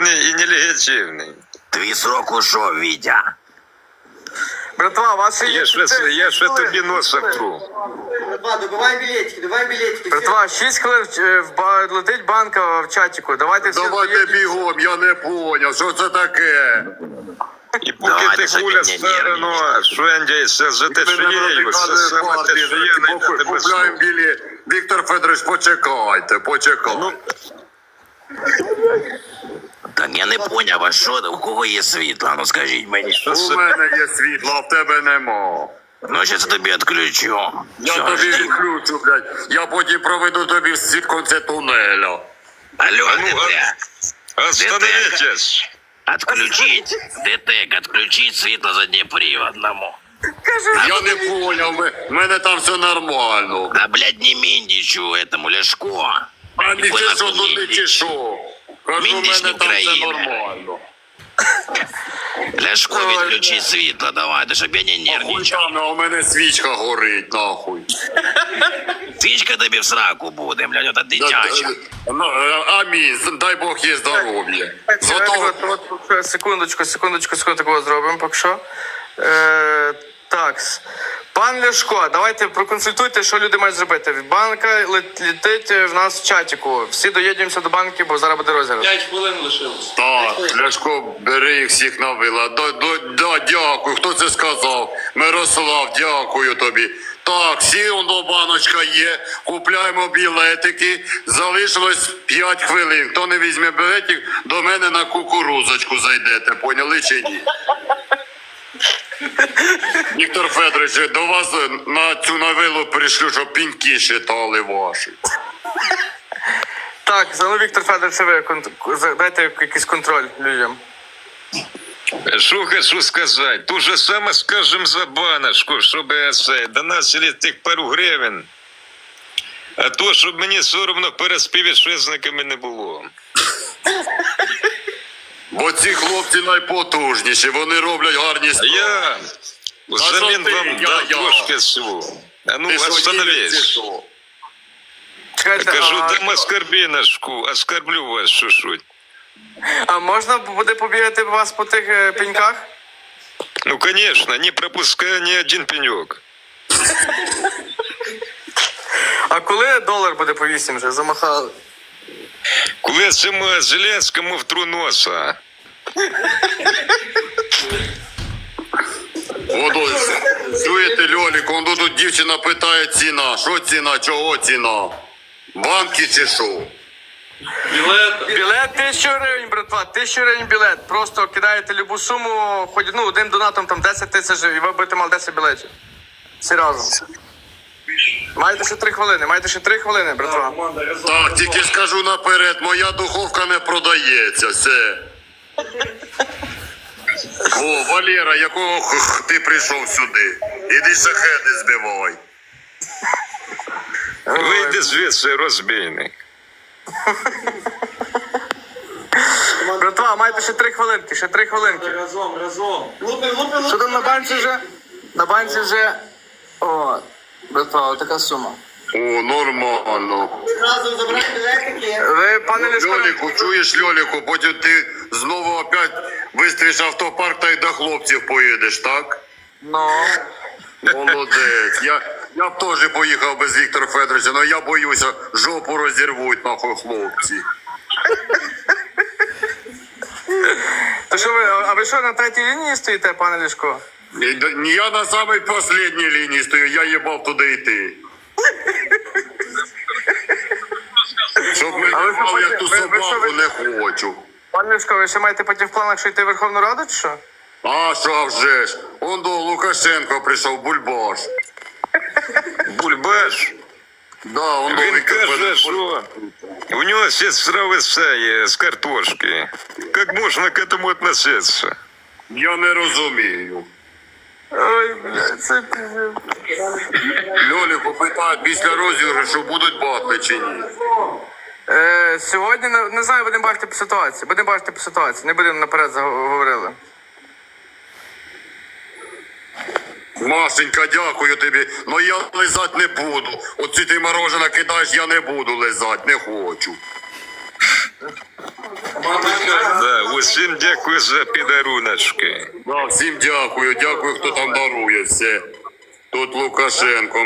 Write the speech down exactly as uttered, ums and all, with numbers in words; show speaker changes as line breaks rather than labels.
легітимний і нелегітимний.
Твій срок ушов, Вітя.
Братва, вас ще є...
Я ще, я ще тобі носа втру.
Братва, добиваем билетики, добиваем билетики.
Братва, шість хвилин е, в ба- летить банка в чатику. Давайте всі...
Давайте
доїдемо.
бігом, я не поняв, що це таке?
І поки
Давайте,
ти
щоб
гуля
ти не
старано, швендяйся за те, що є, і все саме те, що є, найде тебе
Купляємо
слухати.
білі. Віктор Федорович, почекайте, почекайте.
Так я не поняв, а що, у кого є світло? Ну скажіть мені.
Що
У
це?
мене є світло, а в тебе нема.
Ну, щас я тобі відключу.
Я
Всё,
тобі
жди.
відключу, блядь. Я потім проведу тобі в конце тунеля.
Алло,
Ну,
ДТЕК.
Остановитесь!
Отключить, ДТЕК, отключить світло заднеприводному.
Я не поняв, ми- в мене там все нормально.
Да, блядь, не Міндічу этому, Ляшко.
А
Ніхуя
нічого, що
нахуй
тут не
Міндіч.
чешу. Кажу, в
Міндіч
мене
не
там все
Україна.
нормально.
Ляшко, відключи світло, давай, да щоб я не
Хуй
нервничав.
там, а у мене свічка горить, нахуй.
Свічка тобі в сраку буде, блядь, ота дитяча.
Ну, е, Амінь, дай Бог є здоров'я. Зато
От, от, от, секундочку, секундочку, секундочку зробимо, поки що. Е, так. Пан Ляшко, давайте проконсультуйте, що люди мають зробити. Банка лет- летить в нас в чатику. Всі доїдемося до банки, бо зараз буде розіграш.
пять хвилин лишилось.
так, Ляшко, бери їх всіх на вила. Да, да, да, дякую, хто це сказав? Мирослав, дякую тобі. Так, всі воно баночка є, купляємо білетики, залишилось п'ять хвилин. Хто не візьме білетик, до мене на кукурузочку зайдете, поняли чи ні? Віктор Федорович, до вас на цю новелу прийшлю, щоб піньки считали ваші.
Так, за ну, Віктор Федорович, ви кон- за- дайте якийсь контроль людям.
Що хочу сказати? То же саме скажем за баночку, щоб це, до нас тих пару гривень. А то, щоб мені соромно перед співвітчизниками не було.
Бо ці хлопці найпотужніші, вони роблять гарні
А
справи.
я взамін
що ти?
вам
Я-
дам
я.
трошки всього. А ну,
Ти що, їдеш, чи
остановись.
що?
Чекайте,
Кажу,
а,
дам оскорбіночку, оскорблю вас чуть-чуть.
а можна буде побігати вас по тих е, пеньках?
Ну, конечно, не пропускай ні один пеньок.
А коли долар буде по вісім вже? Замахали.
Коли цьому Зеленському втру носа.
Водой, чуєте, Льолік, он тут дівчина питає ціна. Що ціна, чого ціна? Банки чи що?
Білет.
Білет тисячу гривень, братва, тисячу гривень білет. Просто кидаєте любу суму, хоч ну, один донатом там десять тисяч, і ви будете мали десять білетів. Всі разом. Маєте ще три хвилини, маєте ще три хвилини, братва.
Команда разом.
Так, тільки скажу наперед, моя духовка не продається, все. О, Валера, якого х- ти прийшов сюди? Іди шахеди збивай.
Вийди звідси, розбійник.
Братва, маєте ще три хвилинки, ще три хвилинки.
Разом, разом. Лупи, лупи,
Що
лупи.
там на банці вже? На банці вже... О, братва, така сума.
О, нормально.
Разом забрали білетики.
Ви, пане Ляшко,
Льоліку, чуєш, Льоліку, потім ти знову опять вистріш автопарк та й до хлопців поїдеш, так?
ну...
Молодець. Я, я б теж поїхав без Віктора Федоровича, але я боюся, жопу розірвуть, нахуй, хлопці.
То що ви, а ви що, на третій лінії стоїте, пане Ляшко?
І д- ні, я на самій останній лінії стою, я їбав туди йти. Щоб мене
А ви що,
мав як ту
ви- ви що,
собаку,
ви-
не хочу.
Пане Ляшко, ви ще маєте потім в планах, що йти в Верховну Раду, чи що?
А що а вже ж? Он до Лукашенко прийшов, бульбаш.
Бульбаш.
Да, он до
Він
Віктор
каже,
Федорович.
що у нього сестра висає з картошки. Як можна к этому относиться?
Я не розумію.
Ой, блядь, це пиздец.
Льоліку питають, після розіграшу будуть батли чи ні?
Е, сьогодні, не, не знаю, будемо бачити по ситуації. Будемо бачити по ситуації, не будемо наперед заговорили.
Машенька, дякую тобі, но я лизать не буду. Оці ти мороженое кидаєш, я не буду лизать, не хочу.
Да, усім дякую за підаруночки.
Да, всім дякую, дякую, хто там дарує все. Тут Лукашенко.